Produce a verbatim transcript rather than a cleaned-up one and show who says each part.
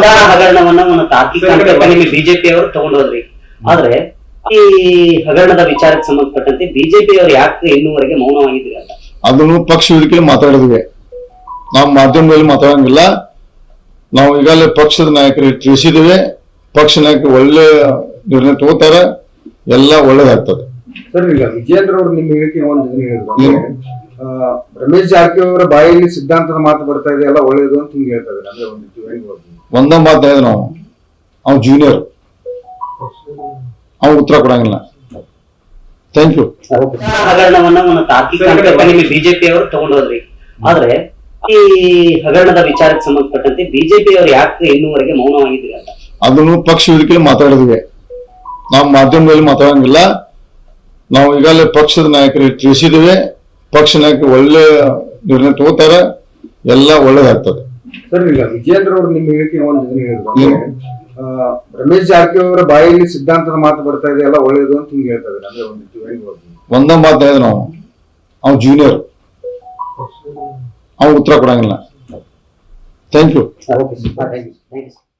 Speaker 1: ಅನುದಾನ ಹಗರಣವನ್ನ ಒಂದು ತಾರ್ಕಿಕ ಹಂತಕ್ಕೆ ನಿಮಗೆ ಬಿಜೆಪಿ ಅವರು ತಗೊಂಡೋದ್ರಿ. ಆದ್ರೆ ಈ ಹಗರಣದ ವಿಚಾರಕ್ಕೆ ಸಂಬಂಧಪಟ್ಟಂತೆ ಬಿಜೆಪಿ ಅವರು ಯಾಕೆ ಇನ್ನೂವರೆಗೆ ಮೌನವಾಗಿದ್ರಿ ಅಂತ
Speaker 2: ಅದನ್ನು ಪಕ್ಷ ವೇದಿಕೆಯಲ್ಲಿ ಮಾತಾಡಿದ್ವಿ. ನಾವು ಮಾಧ್ಯಮದಲ್ಲಿ ಮಾತಾಡಂಗಿಲ್ಲ. ನಾವು ಈಗಾಗಲೇ ಪಕ್ಷದ ನಾಯಕರಿಗೆ ತಿಳಿಸಿದ್ದೇವೆ. ಪಕ್ಷ ನಾಯಕರು ಒಳ್ಳೆ ನಿರ್ಣಯ ತಗೋತಾರ, ಎಲ್ಲ ಒಳ್ಳೇದಾಗ್ತದೆ.
Speaker 3: ಸರ್, ಈಗ ವಿಜೇಂದ್ರ ಅವರು ನಿಮ್ಮ ಹೇಳಿಕೆ ಒಂದು ಹೇಳಿದ್ರು, ರಮೇಶ್ ಜಾರಕಿಹೊಳಿ ಅವರ ಬಾಯಲ್ಲಿ ಸಿದ್ಧಾಂತದ ಮಾತು ಬರ್ತಾ ಇದೆ, ಎಲ್ಲ ಒಳ್ಳೇದು ಅಂತ ಹಿಂಗೆ ಹೇಳ್ತಾ ಇದ್ದಾರೆ. ಅಂದ್ರೆ ಒಂದು
Speaker 2: ಒಂದ ಮಾತು ಹೇಳಿದ್ರು, ನಾವು ಅವ್ನು ಜೂನಿಯರ್, ಅವ್ನು ಉತ್ತರ ಕೊಡಂಗಿಲ್ಲ. Thank you.
Speaker 1: ಹಗರಣವನ್ನ ಒಂದು ತಾರ್ಕಿಕ ಹಂತಕ್ಕೆ ನಿಮಗೆ ಬಿಜೆಪಿ ಅವರು ತಗೊಂಡೋದ್ರಿ. ಆದ್ರೆ ಈ ಹಗರಣದ ವಿಚಾರಕ್ಕೆ ಸಂಬಂಧಪಟ್ಟಂತೆ ಬಿಜೆಪಿ ಅವರು ಯಾಕೆ ಇನ್ನೂವರೆಗೆ ಮೌನವಾಗಿದ್ರಿ ಅಂತ
Speaker 2: ಅದನ್ನು ಪಕ್ಷ ವೇದಿಕೆಯಲ್ಲಿ ಮಾತಾಡಿದ್ವಿ. ನಾವು ಮಾಧ್ಯಮದಲ್ಲಿ ಮಾತಾಡಂಗಿಲ್ಲ. ನಾವು ಈಗಾಗಲೇ ಪಕ್ಷದ ನಾಯಕರಿಗೆ ತಿಳಿಸಿದ್ದೇವೆ. ಪಕ್ಷ ನಾಯಕರು ಒಳ್ಳೆ ನಿರ್ಣಯ ತಗೋತಾರ, ಎಲ್ಲ ಒಳ್ಳೇದಾಗ್ತದೆ.
Speaker 3: ಸರ್, ಈಗ ವಿಜೇಂದ್ರ ಅವರು ನಿಮ್ಮ ಹೇಳಿಕೆ ಒಂದು ಹೇಳಿದ್ರು, ರಮೇಶ್ ಜಾರಕಿಹೊಳಿ ಅವರ ಬಾಯಲ್ಲಿ ಸಿದ್ಧಾಂತದ ಮಾತು ಬರ್ತಾ ಇದೆ, ಎಲ್ಲ ಒಳ್ಳೇದು ಅಂತ ಹಿಂಗೆ ಹೇಳ್ತಾ ಇದ್ದಾರೆ. ಅಂದ್ರೆ ಒಂದು
Speaker 2: ಒಂದ ಮಾತು ಹೇಳಿದ್ರು, ನಾವು ಅವ್ನು ಜೂನಿಯರ್, ಅವ್ನು ಉತ್ತರ ಕೊಡಂಗಿಲ್ಲ. Thank you.